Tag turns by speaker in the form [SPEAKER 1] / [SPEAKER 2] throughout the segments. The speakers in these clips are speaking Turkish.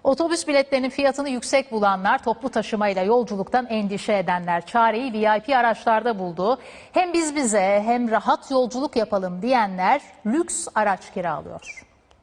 [SPEAKER 1] Otobüs biletlerinin fiyatını yüksek bulanlar, toplu taşımayla yolculuktan endişe edenler çareyi VIP araçlarda buldu. Hem biz bize hem rahat yolculuk yapalım diyenler lüks araç kiralıyor.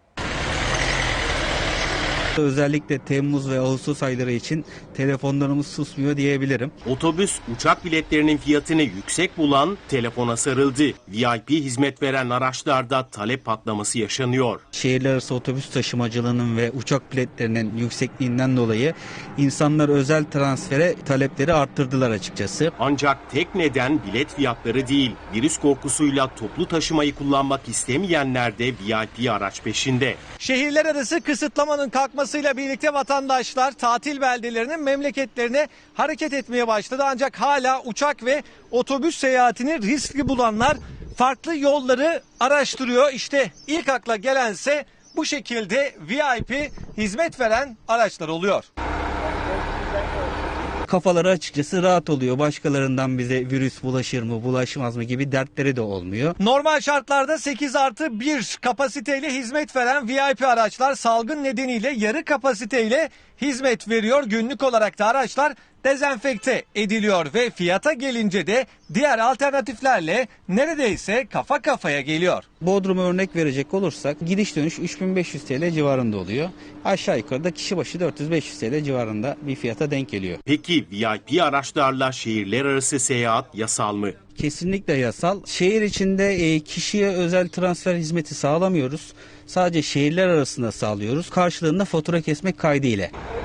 [SPEAKER 2] Özellikle Temmuz ve Ağustos ayları için telefonlarımız susmuyor diyebilirim.
[SPEAKER 3] Otobüs, uçak biletlerinin fiyatını yüksek bulan telefona sarıldı. VIP hizmet veren araçlarda talep patlaması yaşanıyor.
[SPEAKER 2] Şehirler arası otobüs taşımacılığının ve uçak biletlerinin yüksekliğinden dolayı insanlar özel transfere talepleri arttırdılar açıkçası.
[SPEAKER 3] Ancak tek neden bilet fiyatları değil, virüs korkusuyla toplu taşımayı kullanmak istemeyenler de VIP araç peşinde.
[SPEAKER 4] Şehirler arası kısıtlamanın kalkmasıyla birlikte vatandaşlar tatil beldelerinin memleketlerine hareket etmeye başladı. Ancak hala uçak ve otobüs seyahatini riskli bulanlar farklı yolları araştırıyor. İşte ilk akla gelense bu şekilde VIP hizmet veren araçlar oluyor.
[SPEAKER 2] Kafaları açıkçası rahat oluyor. Başkalarından bize virüs bulaşır mı, bulaşmaz mı gibi dertleri de olmuyor.
[SPEAKER 4] Normal şartlarda 8+1 kapasiteyle hizmet veren VIP araçlar salgın nedeniyle yarı kapasiteyle hizmet veriyor. Günlük olarak da araçlar dezenfekte ediliyor ve fiyata gelince de diğer alternatiflerle neredeyse kafa kafaya geliyor.
[SPEAKER 2] Bodrum'a örnek verecek olursak gidiş dönüş 3500 TL civarında oluyor. Aşağı yukarı da kişi başı 400-500 TL civarında bir fiyata denk geliyor.
[SPEAKER 3] Peki VIP araçlarla şehirler arası seyahat yasal mı?
[SPEAKER 2] Kesinlikle yasal. Şehir içinde kişiye özel transfer hizmeti sağlamıyoruz. Sadece şehirler arasında sağlıyoruz. Karşılığında fatura kesmek kaydıyla.